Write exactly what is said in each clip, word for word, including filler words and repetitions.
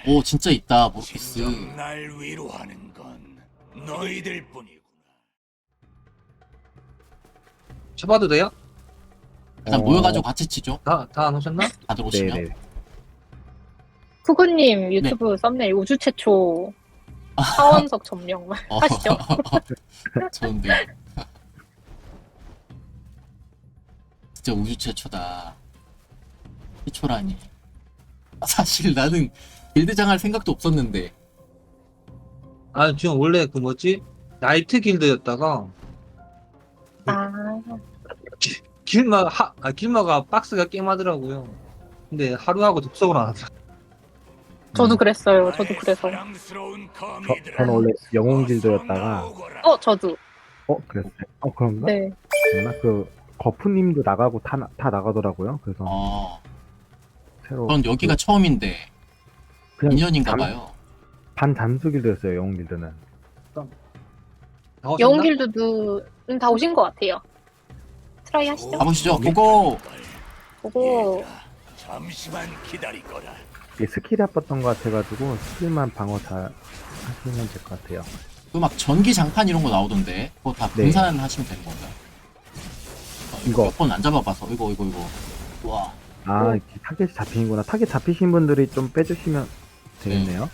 오 진짜 있다 모르겠어. 진정 날 위로하는 건 너희들 뿐이구나. 쳐봐도 돼요? 일단 어. 모여가지고 같이 치죠. 다, 다 안 오셨나? 다들 오시면. 네네. 쿠구님 유튜브 썸네일 우주 최초 하원석 점령 어. 하시죠. 좋은데. 진짜 우주 최초다. 최초라니. 아, 사실 나는 길드장 할 생각도 없었는데. 아, 지금 원래 그 뭐지? 나이트 길드였다가, 아, 길마, 하, 아, 길마가 박스가 게임하더라고요. 근데 하루하고 접속을 안 하더라. 저도 그랬어요. 저도 그래서. 사랑스러운 저, 거미들아, 저는 원래 영웅 어서 길드였다가 나오거라. 어, 저도. 어 그랬어요. 어 그런가? 네. 그랬나? 그 거푸님도 나가고 다, 나- 다 나가더라고요. 그래서 어. 새로 전 여기가 처음인데 그냥 인연인가 잠- 봐요. 반 잠수 길드였어요. 영웅 길드는. 다 오셨나? 영웅 길드도 음, 다 오신 것 같아요. 트라이 하시죠. 가보시죠. 고고. 보고 얘들아, 잠시만 기다리거라. 이게 스킬이 아팠던 것 같아가지고 스킬만 방어 잘 하시면 될 것 같아요. 그 막 전기 장판 이런 거 나오던데 그거 다 네. 분산하시면 되는 건가요? 어, 이거. 몇 번 안 잡아봐서 이거 이거 이거. 와. 아 어. 이렇게 타겟이 잡히는구나. 타겟 잡히신 분들이 좀 빼주시면 되겠네요.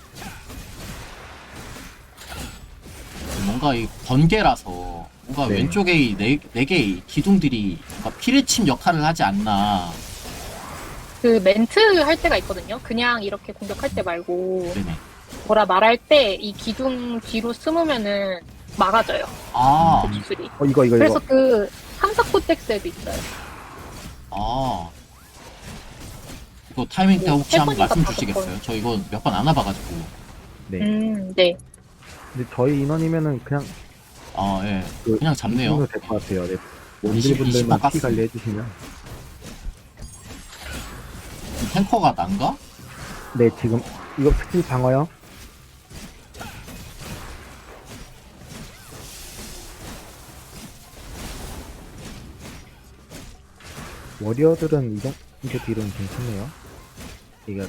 뭔가 이 번개라서 뭔가 네. 왼쪽에 이 네, 네 개의 기둥들이 뭔가 피레침 역할을 하지 않나. 그 멘트 할 때가 있거든요. 그냥 이렇게 공격할 때 말고 네네. 뭐라 말할 때 이 기둥 뒤로 숨으면은 막아져요. 아, 그 기술이. 어 이거 이거 그래서 이거. 그 삼사코텍스에도 있어요. 아. 이거 타이밍 때 뭐, 혹시 한번 세 번인가 말씀 다섯 주시겠어요? 저 이거 몇 번 안 와봐가지고. 네. 음, 네. 근데 저희 인원이면은 그냥 아, 예. 그 그냥 잡네요. 될것 같아요. 네. 이십, 원딜분들만 이십만 피 깎습니다. 관리 해주시면. 탱커가 난가? 네 지금 이거 스킬 방어요. 워리어들은 이 정도 딜은 괜찮네요. 이거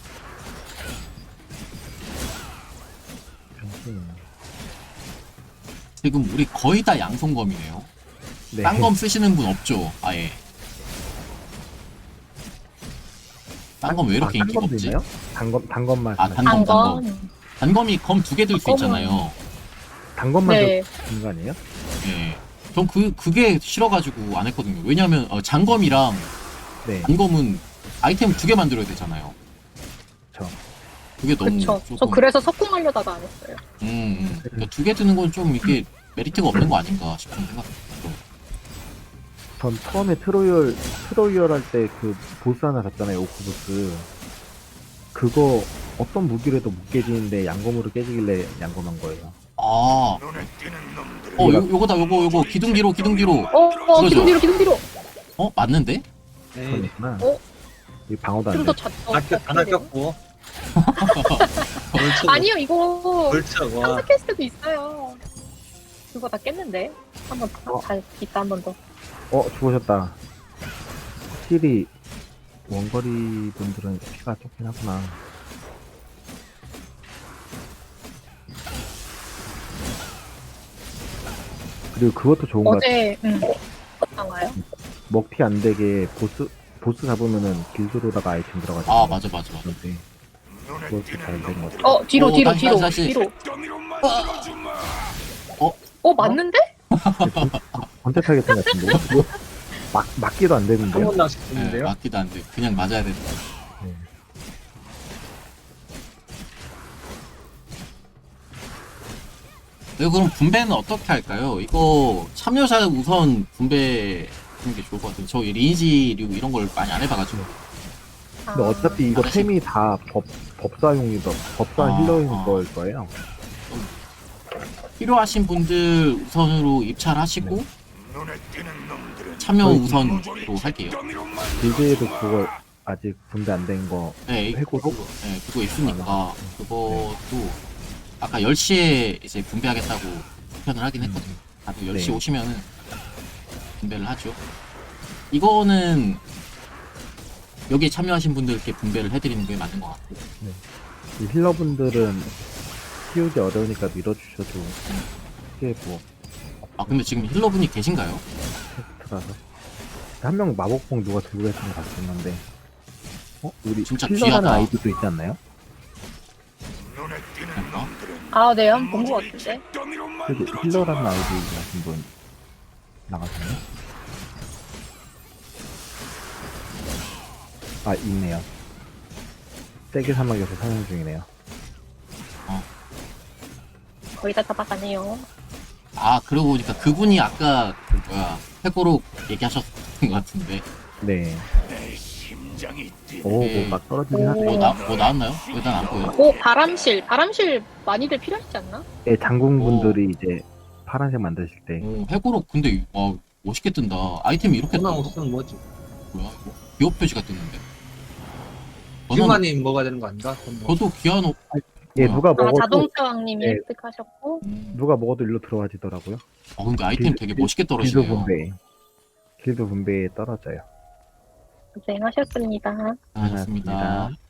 잠시만요. 지금 우리 거의 다 양손검이네요. 네. 딴검 쓰시는 분 없죠? 아예. 딴검 왜 이렇게 아, 인기가 단검도 없지? 있나요? 단검 단검만 아, 말씀하시는 단검, 거예요? 단검. 한건 단검이 검 두 개 들 수 단검은- 있잖아요. 단검만 네. 들는 거 아니에요? 예. 전 그, 그게 싫어가지고 안 했거든요. 왜냐면, 어, 장검이랑 네. 단검은 아이템 두 개 만들어야 되잖아요. 그쵸. 그게 너무. 그쵸. 저 조금- 그래서 석궁하려다가 안 했어요. 음, 음. 그러니까 두 개 드는 건 좀 이게 메리트가 없는 거 아닌가 싶은 생각. 전 처음에 트로이얼 트로이얼 할 때 그 보스 하나 샀잖아요. 오크 보스. 그거 어떤 무기로 해도 못 깨지는데 양검으로 깨지길래 양검한 거예요. 아, 눈에 띄는 놈들은 어, 요, 요거다, 요거, 요거. 기둥 뒤로, 기둥 뒤로. 어, 어, 그거죠. 기둥 뒤로, 기둥 뒤로. 어, 맞는데? 네. 그러니까 어? 이 방어도 안 좀 돼. 더 잤. 어, 안 꼈- 안 아꼈고. 벌써. 아니요, 이거 벌써, 와. 삼사 캐스트도 있어요. 그거 다 깼는데. 한번 어. 다 이따 한 번 더. 어 죽으셨다. 확실히 원거리 분들은 피가 좋긴 하구나. 그리고 그것도 좋은 것 같아요. 어제 음. 나와요? 먹튀 안 되게 보스 보스 잡으면은 길드로다가 아이템 들어가죠. 아, 맞아, 맞아, 맞아. 그런데 눈에 그것도 띄는 잘 된 것 놈들은 같아요. 어, 뒤로, 어, 뒤로, 다시, 뒤로, 다시, 다시. 뒤로. 더미로 만들어주마. 어, 맞는데? 번째 타겟 같은데 뭐, 막 맞기도 안 되는데요. 한번 예, 낚시했는데요. 맞기도 안 돼. 그냥 맞아야 된다. 네. 네, 그럼 분배는 어떻게 할까요? 이거 참여자 우선 분배 하는 게 좋을 것 같아요. 저 리니지류 이런 걸 많이 안 해봐가지고. 근데 어차피 이거 알았어요. 템이 다 법, 법사용이다. 법사 아, 힐러인 아. 걸 거예요. 필요하신 분들 우선으로 입찰하시고 눈에 띄는 놈들은 참여 저희 우선으로 할게요. 더미로 길드에도 그거 아직 분배 안 된 거 네, 해고로? 네, 그거 있으니까 그것도 아까 열 시에 이제 분배하겠다고 표현을 하긴 했거든요. 다들 열 시 네. 오시면은 분배를 하죠. 이거는 여기에 참여하신 분들께 분배를 해드리는 게 맞는 것 같고. 네. 이 힐러분들은 키우기 어려우니까 밀어주셔도 크게 뭐 아 근데 지금 힐러분이 계신가요? 테스트라서 한 명 마법봉 누가 들고 계시는 거 봤었는데 어? 우리 진짜 힐러라는 귀하다. 아이디도 있지 않나요? 눈에 띄는 그러니까. 놈들은 아, 네, 한 번 본 것 모조리 같은데. 잿더미로 그래도 만들어져. 힐러라는 아이디 같은 분 나가셨네? 아 있네요. 세계 사막에서 사냥 중이네요. 거의 다 잡아가네요. 아 그러고 보니까 그분이 아까 그 뭐야 해고로 얘기하셨던 것 같은데 네. 내 심장이 뛰네. 오, 네. 뭐막 떨어지긴 오. 하네. 뭐, 나, 뭐 나왔나요? 일단 안 보여. 오, 바람실. 바람실 많이들 필요하지 않나? 네, 장군분들이 이제 파란색 만드실 때 오, 해고로 근데 와 멋있게 뜬다. 아이템이 이렇게 전화 뜬다. 없으면 뭐지? 뭐야 이거? 기업 표시가 뜨는데. 저는 킬마님 먹어야 되는 거 아닌가? 그건 뭐. 저도 기아노 예, 뭐야? 누가 아, 먹어도 자동차 왕님이 네. 획득하셨고. 음. 누가 먹어도 일로 들어와지더라고요. 어 근데 아이템 길- 되게 길- 멋있게 길도 떨어지네요. 분배. 길도 분배에 떨어져요. 고생하셨습니다. 아, 좋습니다. 고생하셨습니다.